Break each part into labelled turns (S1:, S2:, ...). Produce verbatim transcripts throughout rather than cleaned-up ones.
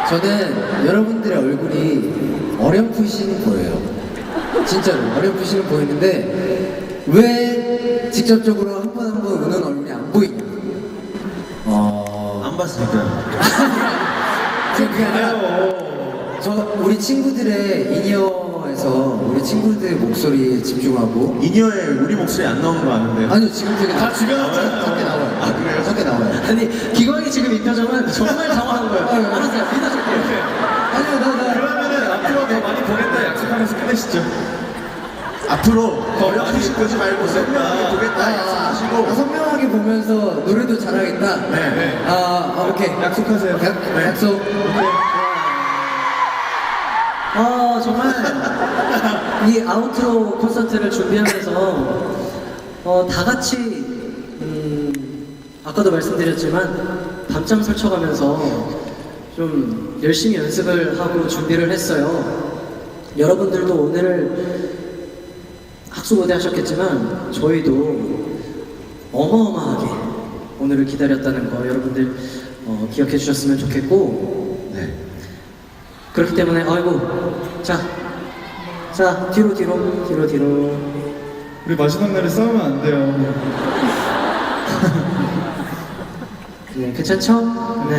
S1: 저는 여러분들의 얼굴이 어렴풋이 보여요. 진짜로 어렴풋이 보이는데 왜 직접적으로 한 번 한 번 우는 얼굴이 안 보이냐? 어...
S2: 안 봤으니까요.
S1: 그게 아니라 저 우리 친구들의 인이어에서 우리 친구들의 목소리에 집중하고
S2: 인이어에 우리 목소리 안 나오는 거 아는데.
S1: 아니요 지금 되게
S3: 다 주변
S1: 밖에 나와요.
S2: 아, 그래요?
S1: 밖에 나와요.
S3: 아니 기광이 지금 이 표정은 정말 당황한 거예요.
S1: 아유,
S3: 알았어요, 믿어줄게요.
S1: 아니요 나 나.
S3: 그러면은 앞으로 더 많이 보겠다 약속하면서 끝내시죠.
S2: 앞으로 어렴풋이 보지 말고 선명하게 보겠다
S1: 아,
S2: 약속하시고.
S1: 선명하게 보면서 노래도 잘하겠다.
S2: 네, 네.
S1: 아, 아 오케이.
S3: 약속하세요.
S1: 약,
S2: 네.
S1: 약속.
S3: 어 정말 이 아우트로 콘서트를 준비하면서 어, 다 같이 음, 아까도 말씀드렸지만 밤잠 설쳐가면서 좀 열심히 연습을 하고 준비를 했어요. 여러분들도 오늘 학수고대 하셨겠지만 저희도 어마어마하게 오늘을 기다렸다는 거 여러분들 어, 기억해 주셨으면 좋겠고
S2: 네.
S3: 그렇기 때문에 아이고 자, 자 뒤로 뒤로 뒤로 뒤로
S4: 우리 마지막 날에 싸우면 안 돼요.
S3: 네 괜찮죠? 네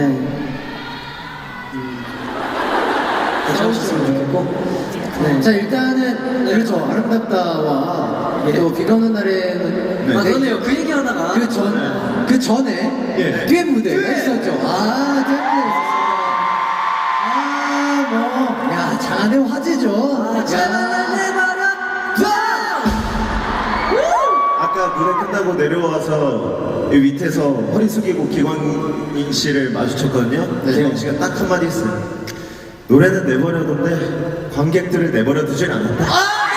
S3: 음, 괜찮으셨으면 좋겠고 네.
S1: 자 일단은 그렇죠 아름답다와
S3: 예.
S1: 또 비가 오는 날에는
S3: 아 그러네요 그 얘기 하다가
S1: 그전 그 전에
S4: 예.
S1: 듀엣 무대가 있었죠. 아 듀엣 무대 있었어요. 아뭐야 장안의 화제죠.
S3: 아, 장안의
S2: 아까 무대 끝나고 내려와서 이 밑에서 허리 숙이고 기광인 씨를 마주쳤거든요.
S1: 네.
S2: 기광 씨가 딱 한마디 했어요. 노래는 내버려뒀는데 관객들을 내버려 두질 않았다.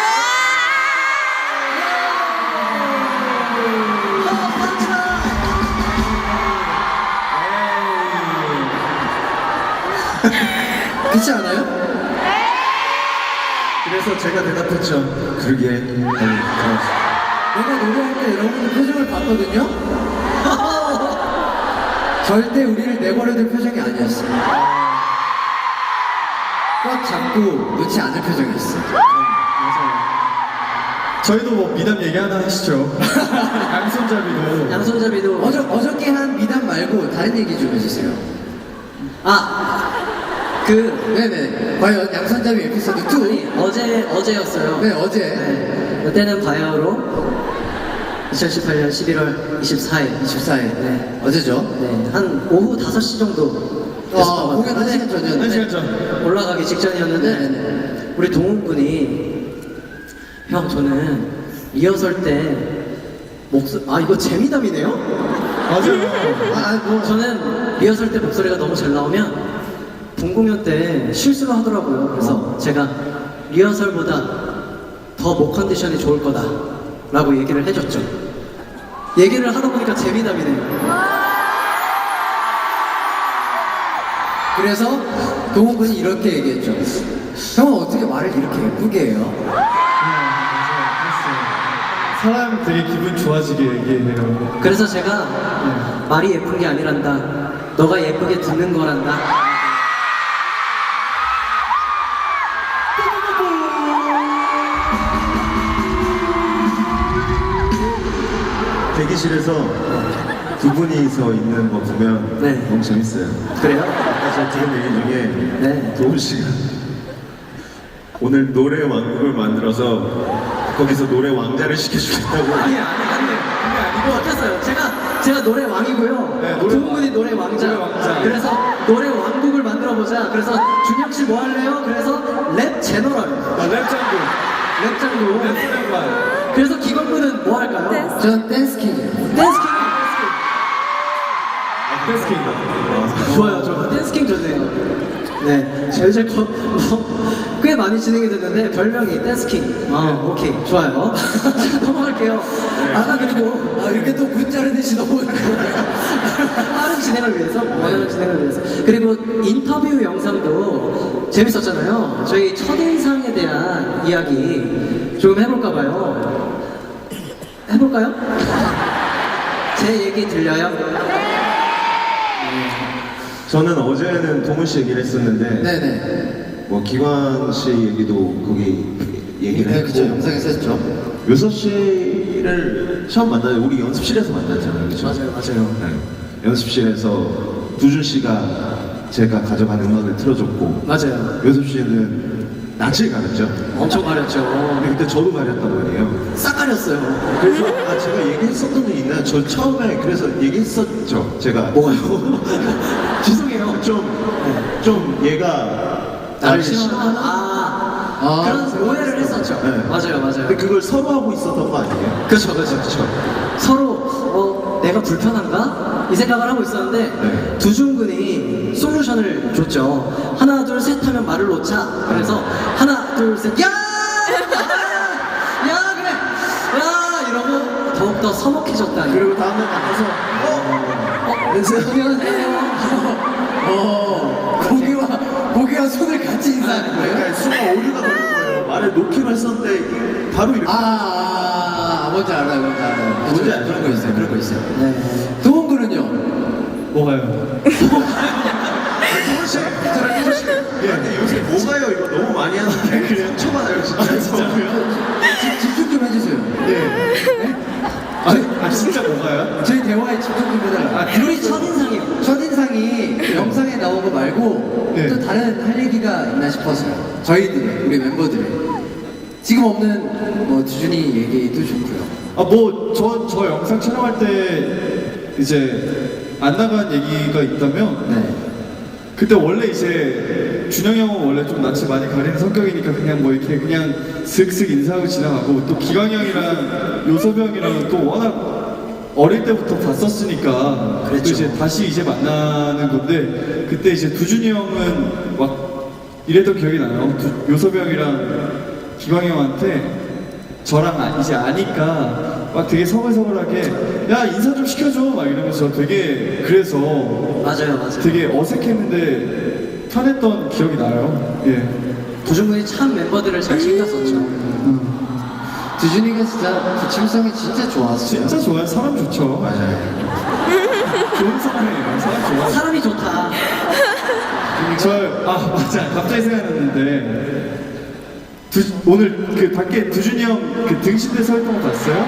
S1: 그렇지 않아요?
S2: 그래서 제가 대답했죠. 그러게. 아니,
S1: 내가 노래할 때 여러분들 표정을 봤거든요. 절대 우리를 내버려둘 표정이 아니었어. 꽉 잡고 놓지 않을 표정이었어.
S4: 저희도 뭐 미담 얘기 하나 하시죠. 양손잡이도.
S3: 양손잡이도
S1: 어저, 어저께 한 미담 말고 다른 얘기 좀 해주세요.
S3: 아그
S1: 네네. 과연 양손잡이 에피소드 이.
S3: 어제 어제였어요.
S1: 네, 어제.
S3: 네. 그때는 바야흐로 이천십팔 년 십일월 이십사일
S1: 이십사 일.
S3: 네.
S1: 어제죠?
S3: 네, 한 오후 다섯 시 정도
S1: 아, 공연 한 시간 전이었는데.
S4: 한 시간 전.
S3: 올라가기 직전이었는데
S1: 네네네.
S3: 우리 동훈 군이 형 저는 리허설 때 목소 아 이거 재미담이네요?
S4: 맞아요.
S1: 아, 뭐.
S3: 저는 리허설 때 목소리가 너무 잘 나오면 본공연 때 실수를 하더라고요. 그래서 제가 리허설보다 더 목 컨디션이 좋을 거다 라고 얘기를 해줬죠. 얘기를 하다 보니까 재미담이네요.
S1: 그래서 동훈 군이 이렇게 얘기했죠. 형은 어떻게 말을 이렇게 예쁘게 해요?
S4: 사람 되게 기분 좋아지게 얘기해요.
S3: 그래서 제가 말이 예쁜 게 아니란다. 너가 예쁘게 듣는 거란다.
S2: 대기실에서 두 분이서 있는 거 보면
S3: 네.
S2: 너무 재밌어요.
S3: 그래요?
S2: 아까 제가 들은 얘기 중에
S3: 네.
S2: 도훈 씨가 오늘 노래 왕국을 만들어서 거기서 노래 왕자를 시켜주겠다고.
S3: 아니 아니 아니 그게 아니고 어땠어요? 제가 제가 노래 왕이고요.
S4: 네, 노래
S3: 동훈 군이 노래 왕자.
S4: 노래 왕자.
S3: 그래서 노래 왕국을 만들어 보자. 그래서 준혁 씨 뭐 할래요? 그래서 랩 제너럴,
S4: 아, 랩장구.
S3: 랩 장로.
S4: 랩장구.
S3: 그래서 기광 군은 뭐 할까요?
S1: 전 댄스킹이에요.
S3: 댄스킹.
S4: 댄스킹.
S3: 좋아요, 좋아요. 댄스킹 좋네요. 네, 이제 거, 뭐, 꽤 많이 진행이 됐는데 별명이 댄스킹. 아, 오케이, 좋아요. 자, 넘어갈게요. 아까 그리고
S1: 아, 이렇게 또 문자를 내시 너무.
S3: 빠른 진행을 위해서, 원하는 진행을 위해서. 그리고 인터뷰 영상도 재밌었잖아요. 저희 첫인상에 대한 이야기 조금 해볼까봐요. 해볼까요? 제 얘기 들려요? 네.
S2: 저는 어제는 동훈 씨 얘기를 했었는데
S1: 네네.
S2: 뭐 기광 씨 얘기도 거기 얘기를
S1: 네,
S2: 했고
S1: 그쵸. 영상에서 했죠.
S2: 요섭 씨를 처음 만나요. 우리 연습실에서 만났잖아요. 그쵸?
S3: 맞아요, 맞아요.
S2: 네. 연습실에서 두준 씨가 제가 가져간 음악을 틀어줬고
S3: 맞아요.
S2: 요섭 씨는 낯을 가렸죠.
S3: 엄청 가렸죠.
S2: 근데 그때 저도 가렸단 말이에요.
S3: 싹 가렸어요.
S2: 그래서 아 제가 얘기했었던 적 있나요? 저 처음에 그래서 얘기했었죠. 제가
S3: 뭐가요? 죄송해요.
S2: 좀, 좀 얘가
S3: 나를
S2: 날
S3: 싫어하는 아,
S1: 아,
S3: 그런 오해를 했었죠.
S2: 네.
S3: 맞아요, 맞아요.
S2: 근데 그걸 서로 하고 있었던 거 아니에요?
S3: 그렇죠, 그렇죠, 그렇죠. 서로 어, 내가 불편한가? 이 생각을 하고 있었는데
S2: 네.
S3: 두준군이 솔루션을 줬죠. 하나, 둘, 셋 하면 말을 놓자. 그래서 하나, 둘, 셋, 야! 야, 그래! 야! 이러고 더욱더 서먹해졌다니.
S2: 그리고 다음날 만나서 어? 어?
S3: 안녕하세요.
S1: 어, 고기와, 고기와 손을 같이 인사하는 거예요?
S2: 그러니까 순간 오류가 걸린 거예요. 말을 놓기로 했었는데 바로 이렇게
S1: 아, 아, 아, 뭔지 알아요, 뭔지 알아요.
S2: 뭔지
S1: 그쵸?
S2: 알죠?
S1: 그런 거 있어요, 그런 거 있어요.
S3: 네.
S1: 도훈 군은요?
S4: 뭐가요?
S2: 도훈씨! 저랑 도훈씨! 예, 근데 요새 뭐가요? 이거 너무 많이 하는데 그래요? 쳐봐요 진짜.
S1: 집- 집중 좀 해주세요.
S2: 예.
S4: 아니, 아, 진짜 뭐가요?
S1: 저희 대화에 집중 좀 해달라고.
S4: 아,
S3: 우리 첫인상이요.
S1: 첫인상이 그 영상에 나온 거 말고
S4: 네.
S1: 또 다른 할 얘기가 있나 싶어서요. 저희들이, 우리 멤버들이. 지금 없는 뭐 두준이 얘기도 좋고요.
S4: 아, 뭐, 저, 저 영상 촬영할 때 이제 안 나간 얘기가 있다면
S1: 네.
S4: 그때 원래 이제 준영이 형은 원래 좀 낯을 많이 가리는 성격이니까 그냥 뭐 이렇게 그냥 슥슥 인사하고 지나가고 또 기광이 형이랑 요섭이 형이랑 또 워낙 어릴 때부터 봤었으니까 또
S3: 그랬죠.
S4: 이제 다시 이제 만나는 건데 그때 이제 두준이 형은 막 이랬던 기억이 나요. 두- 요섭이 형이랑 기광이 형한테 저랑 아- 이제 아니까 막 되게 서글서글하게 야 인사 좀 시켜줘 막 이러면서 되게 그래서
S3: 맞아요, 맞아요.
S4: 되게 어색했는데 편했던 기억이 나요. 예.
S3: 두준군이 참 멤버들을 잘 챙겼었죠.
S1: 두준이가 진짜 부침성이 진짜 좋았어요.
S4: 진짜 좋아요. 사람 좋죠.
S2: 맞아요.
S4: 좋은 사람이에요. 사람 좋아요.
S3: 사람이 좋다.
S4: 저, 아, 맞아. 갑자기 생각났는데. 두, 오늘 그 밖에 두준이 형 그 등신대 서 있던 거 봤어요?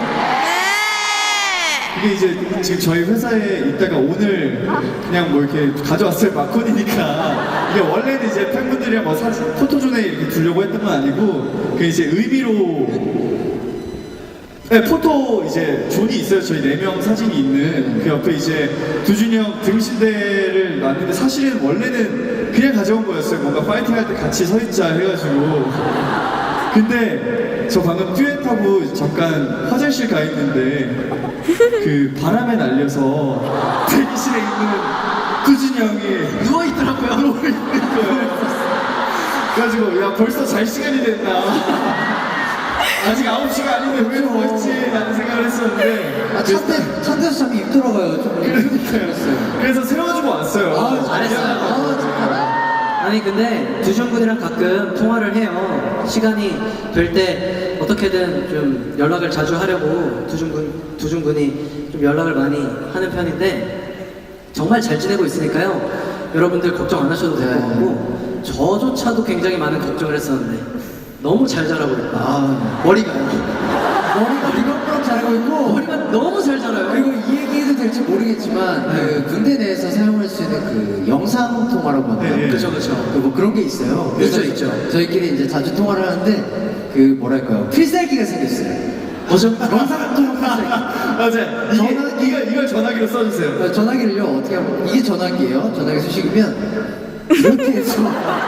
S4: 그게 이제 지금 저희 회사에 있다가 오늘 그냥 뭐 이렇게 가져왔어요. 마콘이니까. 이게 원래는 이제 팬분들이랑 뭐 사진, 포토존에 이렇게 두려고 했던 건 아니고, 그 이제 의미로 네, 포토 이제 존이 있어요. 저희 네 명 사진이 있는 그 옆에 이제 두준이 형 등신대를 놨는데 사실은 원래는 그냥 가져온 거였어요. 뭔가 파이팅 할 때 같이 서 있자 해가지고. 근데 저 방금 듀엣하고 잠깐 화장실 가 있는데 그 바람에 날려서 대기실에 있는 두준이 형이
S3: 누워 있더라고요.
S4: 누워 있는 거예요. 그래가지고 야 벌써 잘 시간이 됐나. 아직 아홉 시가 아닌데 왜 누워있지? 라는 생각을 했었는데
S1: 아, 찬데, 찬데서 잠이 입더라고요. 좀
S4: 그러니까요. 그래서 세워주고 왔어요.
S1: 아,
S3: 잘했어요.
S1: 아, 좋다.
S3: 아니 근데 두준군이랑 가끔 통화를 해요. 시간이 될 때 어떻게든 좀 연락을 자주 하려고 두준군 두준군이 좀 연락을 많이 하는 편인데 정말 잘 지내고 있으니까요. 여러분들 걱정 안 하셔도 될 것
S1: 네.
S3: 같고 저조차도 굉장히 많은 걱정을 했었는데 너무 잘 자라고 있다.
S1: 아,
S3: 머리가요.
S1: 머리가 리버프랑 자라고 있고,
S3: 머리가 너무 잘 자라요.
S1: 그리고 이 얘기해도 될지 모르겠지만, 그 군대 내에서 사용할 수 있는 그 영상 통화라고 하나요?
S4: 네, 네.
S3: 그죠 그죠.
S1: 그 뭐 그런 게 있어요.
S3: 있죠, 있죠.
S1: 저희끼리 이제 자주 통화를 하는데, 그 뭐랄까요. 필살기가 생겼어요.
S3: 뭐죠?
S1: 영상 통화 필살기.
S4: 맞아요. 이게,
S1: 전화기-
S4: 이걸, 이걸 전화기로 써주세요.
S1: 어, 전화기를요, 어떻게 하면, 이게 전화기예요. 전화기 수식이면, 이렇게 해서.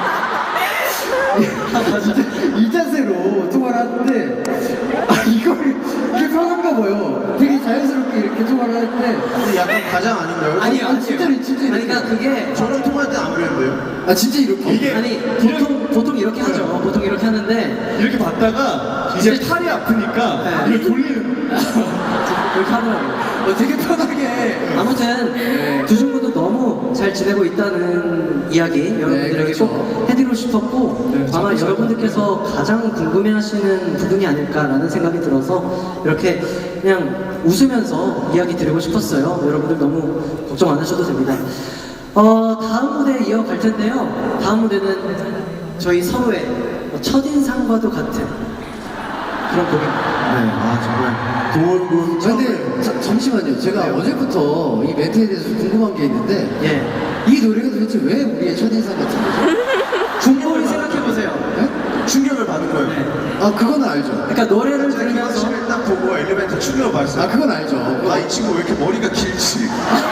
S1: 이 자세로 통화를 하는데, 아, 이걸, 이게 편한가 봐요. 되게 자연스럽게 이렇게 통화를 하는데,
S2: 근데 약간 과장 아닌가요?
S3: 아니요,
S1: 아, 진짜로, 진짜
S3: 아니, 그러니까 그게
S2: 저랑 통화할 때 안 그랬는데요?
S1: 아, 진짜 이렇게.
S4: 이게
S3: 아니 보통 보통 이렇게 하죠. 보통 이렇게 하는데
S4: 이렇게 받다가 이제 팔이 아프니까
S3: 네.
S4: 이걸 돌리는
S3: 그렇게 하더라고요.
S1: 어, 되게 편하게.
S3: 아무튼
S1: 네.
S3: 두준군도 너무 잘 지내고 있다는 이야기 여러분들에게
S1: 그렇죠.
S3: 꼭 해드리고 싶었고
S4: 네,
S3: 아마
S4: 잘
S3: 여러분들께서 가장 궁금해하시는 부분이 아닐까라는 생각이 들어서 이렇게 그냥 웃으면서 이야기 드리고 싶었어요. 여러분들 너무 걱정 안 하셔도 됩니다. 어, 다음 무대에 이어갈 텐데요. 다음 무대는 저희 서로의 뭐 첫인상과도 같은 그런 곡입니다.
S2: 네, 아 정말 도울군.
S1: 근데 자, 잠시만요. 제가 어제부터 이 멘트에 대해서 궁금한 게 있는데
S3: 예.
S1: 이 노래가 도대체 왜 우리의 첫인상 같은 거죠?
S3: 충분히 생각해보세요.
S1: 네?
S2: 충격을 받은 거예요.
S3: 네.
S1: 아 그건 알죠.
S3: 그러니까 노래를
S2: 제가 기관
S3: 들으면서
S2: 씨를 딱 보고 엘리베이터 충격을 받았어요.
S1: 아 그건 알죠.
S2: 아, 이 친구 왜 이렇게 머리가 길지?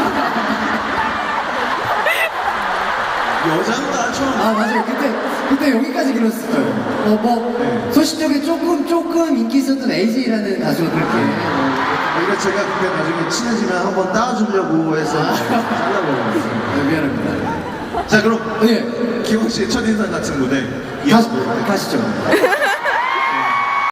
S2: 여잔가 좀.
S1: 아 맞아요. 그때 그때 여기까지 길었었죠. 어뭐
S2: 네.
S1: 소식적에 조금 조금 인기 있었던 에이지라는 가수가 그렇게
S2: 오히려 제가 그때 나중에 친해지면 한번 따주려고 해서 잘라버렸어요.
S1: 아, 미안합니다.
S2: 자, 그럼
S1: 예.
S2: 기광 씨의 첫인상 같은 무대
S1: 가,
S2: 이어서 볼까요?
S1: 가시죠.